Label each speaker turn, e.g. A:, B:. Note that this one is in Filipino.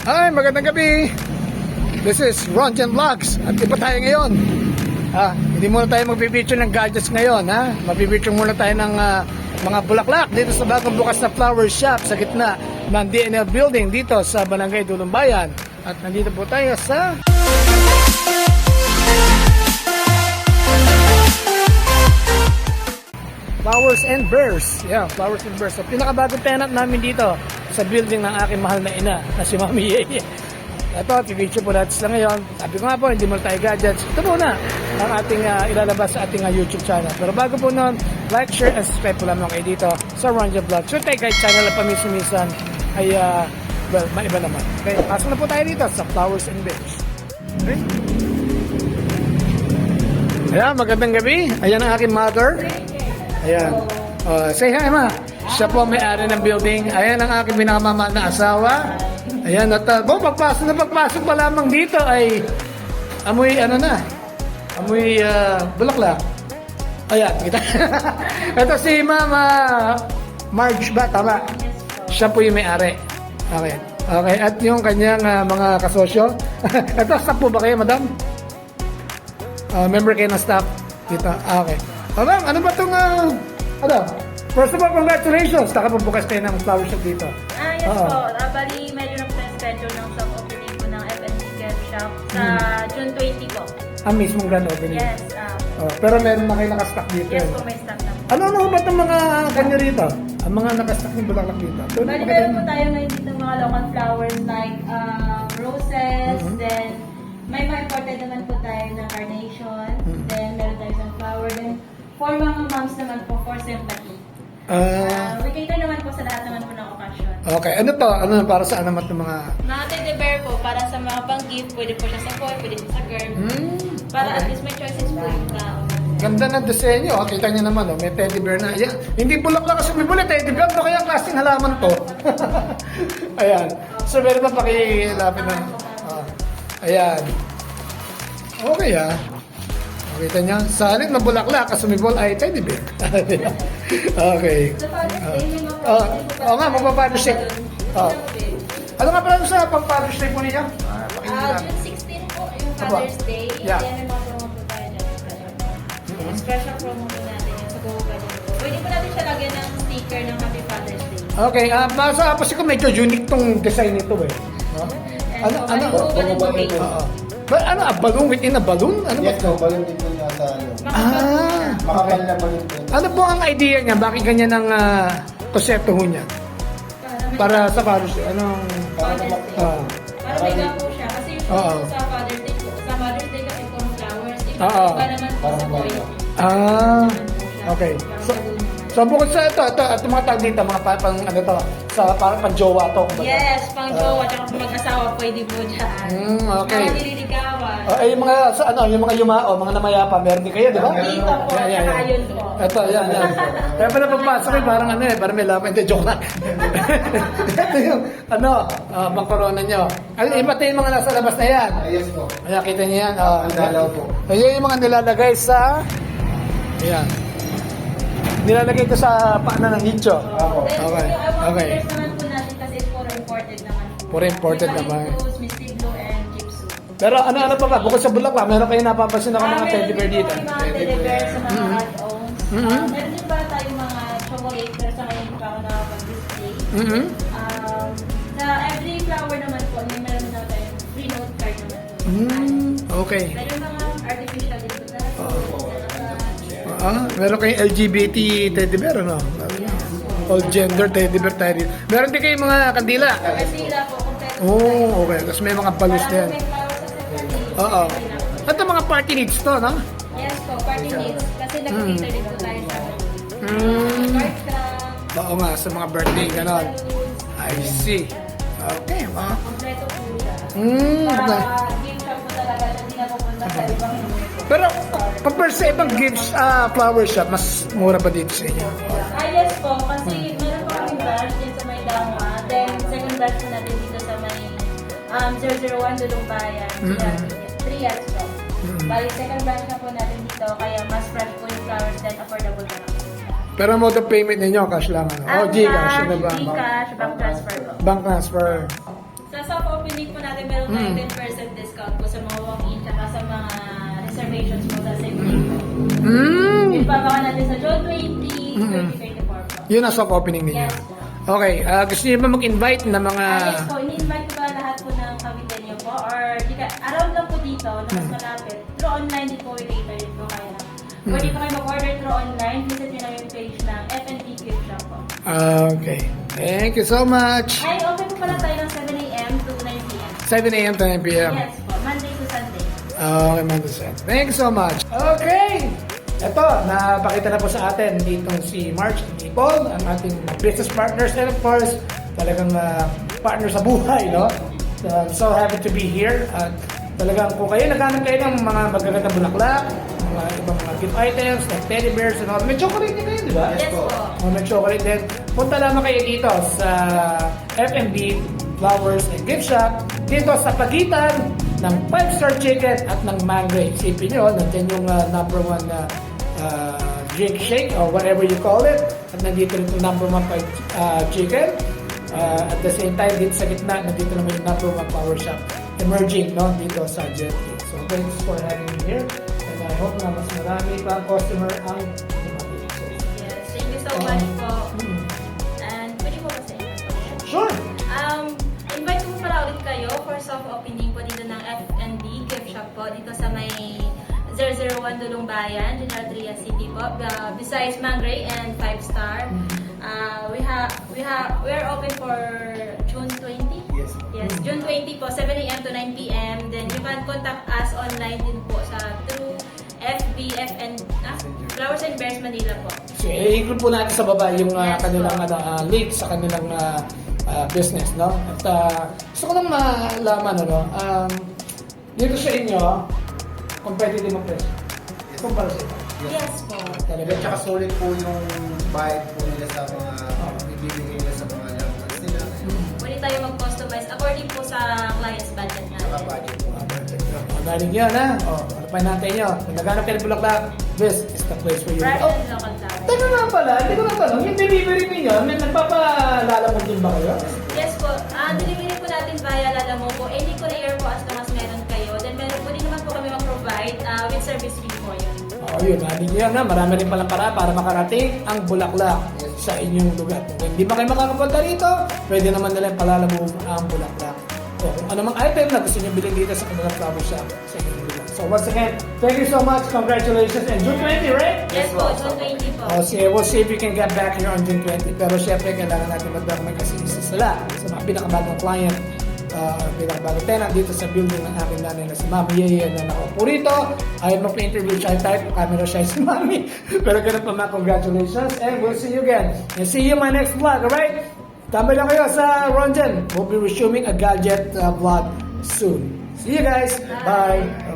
A: Hi, magandang gabi. This is Ronjan Vlogs. At iba tayo ngayon. Hindi muna tayo magbibideo ng gadgets ngayon. Magbibideo muna tayo ng mga bulaklak dito sa bagong bukas na flower shop sa gitna ng DNL building dito sa Barangay Dulumbayan. At nandito po tayo sa Flowers and Bears. Yeah, Flowers and Bears. So, pinakabagong tenant namin dito sa building ng aking mahal na ina na si Mami Yeye. Ito, pipicture po natin sila ngayon. Sabi ko nga po, hindi muna tayo gadgets. Ito muna ang ating ilalabas sa ating YouTube channel. Pero bago po nun, like, share, and subscribe po lamang kayo dito sa Ronjan Vlogs. So tayo guys, channel na paminsan-minsan ay, well, maiba naman. Okay, pasok na po tayo dito sa Flowers and Bears. Okay? Ayan, magandang gabi. Ayan ang aking mother. Ayan. Say hi, ma. Siya po may-ari ng building. Ayan ang aking pinakamamahal na asawa. Ayan. At pagpasok pa lamang dito ay amoy amoy bulaklak. Ayan, kita. Ito si Mama Marge ba? Tama. Siya po yung may-ari. Okay. Okay. At yung kanyang mga kasosyo. Ito, staff po ba kayo, madam? Member kayo ng staff dito. Okay. Ma'am, ano ba itong, first of all, congratulations! Nakapabukas kayo ng flower shop dito.
B: Yes po. Bali, medyo na-schedule ng soft opening po ng FNC Gift Shop sa June 20 po.
A: Ang mismong grand opening?
B: Yes.
A: Pero meron na kayo nakastock dito?
B: Yes po, may stock na po.
A: Ano ba itong mga kanya rito? Ang mga nakastock ng bulaklak dito?
B: Bali, meron po tayo ngayon dito mga local flowers like roses, then may mga imported naman po tayo na carnation, then meron tayo ng flower, then for mga moms naman po, for sympathy. We cater naman po sa lahat naman po ng occasion.
A: Okay. Ano to? Ano para saan naman itong mga...
B: Mga teddy bear po, para sa mga pang-gift, pwede po siya sa boy, pwede po sa girl. Para at least may choices po yung tao.
A: Ganda ng disenyo. Kita niyo naman, may teddy bear na. Ayan. Hindi bulaklak kasi may bullet, teddy bear. Ano kaya klaseng halaman to? Ayan. So, meron pa pakilapin na. Ayan. Okay Kita niya, sa halip na bulaklak, kasumibol ay teddy bear. Okay. Oo nga, magpa-Father's Day. Ano nga pala sa pang-Father's Day po niya?
B: June 16 po, yung Father's Day.
A: Yeah.
B: Yan yung mga promo po tayo dyan. Special promo po natin yan sa Go Garden po. Pwede po natin siya lagyan ng sticker ng Happy Father's Day.
A: Okay, kasi ko medyo unique tong design nito eh.
B: Go Garden po cake.
A: A balloon within a balloon? Ano
C: Yes,
A: ba?
C: balloon din po yata.
A: Okay.
C: Makapal na balloon po.
A: Ano po ang idea niya? Bakit ganyan ang konsepto ho niya? Para sa Father's Day? Anong...
B: Father's Day. Para may po siya. Kasi usually sa Father's Day po, sa Mother's Day kasi kung flowers, iba naman po sa boy.
A: Okay. So bukod sa ito mga tawag dito, mga parang pang-jowa to.
B: Yes, pang-jowa, tsaka mag-asawa pwede po dyan.
A: Okay.
B: Mga nililigawan.
A: Yung mga yung mga yumao, mga namayapa, meron din kayo, di ba?
B: Dito po, tsaka yun po.
A: Ito, yan. Kaya pala pagpasok parang parang may laman. Hindi, joke lang. Ito yung, bang corona nyo. Iba tayo yung mga nasa labas na yan.
C: Yes po.
A: Ayan, kita niyo yan.
C: Ang dalaw po.
A: Ayan yung mga nilalagay sa, ayan. Nilalagay ko sa paanan ng nicho. Okay.
B: Okay. Naman po natin kasi puro imported naman.
A: Puro imported naman.
B: Misty Blue and Gypsum.
A: Pero ano pa ba? Bukod sa bulaklak, meron kayo napapansin ako mga teddy bear dito.
B: Meron din po yung mga teddy bear sa mga add-ons. Meron din ba tayong mga chocolate pero sa ngayon pa ako nakapag-display. Sa every flower naman po, meron na tayong free note card naman po.
A: Okay.
B: Meron mga artificial dito na.
A: Meron kayong LGBT teddy bear, ano? All gender teddy bear tayo dito. Meron din kayong mga kandila.
B: Kasila po, kompleto.
A: Okay. Tapos may mga balloons din.
B: May flowers sa
A: Ito mga party needs to, no?
B: Yes po, party needs. Kasi nag-cater din po tayo sa card craft,
A: Oo nga, sa mga birthday, ganon. I see. Okay,
B: kompleto po siya.
A: Para
B: Game shop po talaga siya, hindi na pupunta sa ibang
A: Pero, compare sa ibang gifts, flower shop, mas mura ba dito sa inyo?
B: yes po, kasi meron po kaming branch din sa may Dangwa. Then, second branch po natin dito sa may 001 Dulumbayan. 3 years po. Bali, second branch na po natin dito, kaya mas fresh po yung flowers then affordable na lang.
A: Pero mode of payment ninyo, cash lang, ano? O, Gcash, ano ba?
B: Gcash, bank transfer po.
A: Bank transfer.
B: Sa soft opening po natin, meron tayong 10% discount po sa mga walk-in tsaka sa mga reservations po sa same day po. Ipapaka natin sa June 20, 2024 po.
A: Yun ang soft opening ninyo.
B: Yes po.
A: Okay, gusto niyo ba mag-invite ng mga...
B: Yes po, ini-invite ko ba lahat po ng Cavite niyo po? Or around lang po dito, na mas malapit. Through online din po, i-later din po kaya. Pwede po kayo mag-order through online. Visit nyo lang yung page ng F&B Gift Shop po.
A: Okay. Thank you so much.
B: Ay, open po pala tayo ng 7 a.m. to 9 p.m.
A: 7 a.m. to 9 p.m.
B: Yes po, Monday to Sunday.
A: Okay, Mandasen. Thank you so much. Okay! Ito, napakita na po sa atin ditong si March and Nicole, ang ating business partners and of course, talagang partner sa buhay, no? So, I'm so happy to be here. At talagang kung kayo naghanap kayo ng mga magagandang bulaklak, mga ibang mga gift items like teddy bears and all, may chocolate din kayo, di ba?
B: Yes po.
A: May chocolate din. Punta lamang kayo dito sa F&B Flowers and Gift Shop dito sa pagitan ng 5-star chicken at ng Mangray. Isipin nyo, nandiyan yung number 1 na drink shake or whatever you call it. At nandito rin yung number 1 chicken. At the same time, dito sa gitna, nandito naman yung number 1 flower shop emerging, no, dito sa Jetty. So thanks for having me here. And I hope na mas marami pa customer ang dumating.
B: Yes, thank you so much po. And pwede po ba sa inyo?
A: Sure!
B: Invite ko po pala ulit kayo for soft opening po dito ng F&B Gift Shop po dito sa may 001 Dulong Bayan, General Trias City po. Besides Mangray and 5-star, we are open for June 20. Yes, June 20 po, 7 a.m. to 9 p.m. Then you can contact us online din po sa through Flowers and Bears Manila po.
A: So, i-include po natin sa baba yung kanilang link sa kanilang business, no? At gusto ko lang malaman, dito sa inyo, competitive ang presyo. Kumpara sa ito.
B: Yes po.
A: Talaga.
C: At saka solid po yung bayad po nila sa mga ibibigay nila sa mga loved ones nila.
B: Pwede tayo mag-customize according po sa client's budget
C: Saka
B: natin.
C: budget po.
A: Magaling yun, ha? Ano pa natin yun? Kung naghanap kayo ng bulaklak, this is the place for you.
B: Right
A: Oh,
B: and local flowers.
A: tama nga pala, hindi ko natanong, yung delivery ninyo, may nagpapalalamog din ba kayo?
B: Yes po. Delivery po natin via Lalamo po. Any courier po as long as meron kayo. Then meron po din naman po kami mag-provide with service fee po yun.
A: Yun, nandun yun na. Marami rin palang para makarating ang bulaklak sa inyong lugar. Kung hindi ba kayo makakapunta rito, pwede naman nila palalamove ang bulaklak. O kung anumang item na gusto nyo bilhin dito sa kanilang flower shop sa inyong lugar. So once again, thank you so much. Congratulations. And June 20, right?
B: Yes po, June 20 po.
A: We'll see if we can get back here on June 20. Pero syempre, kailangan natin mag-document kasi isa sila sa mga pinakabagong client, pinakabagong tenant dito sa building ng aking nanay na si Mami Yeye na nakaupo rito. Ayaw magpa-interview siya type, camera siya si Mami. Pero ganun pa mga congratulations and we'll see you again. And see you in my next vlog, alright? Tambay lang kayo sa Ronjen. We'll be resuming a gadget vlog soon. See you guys. Bye.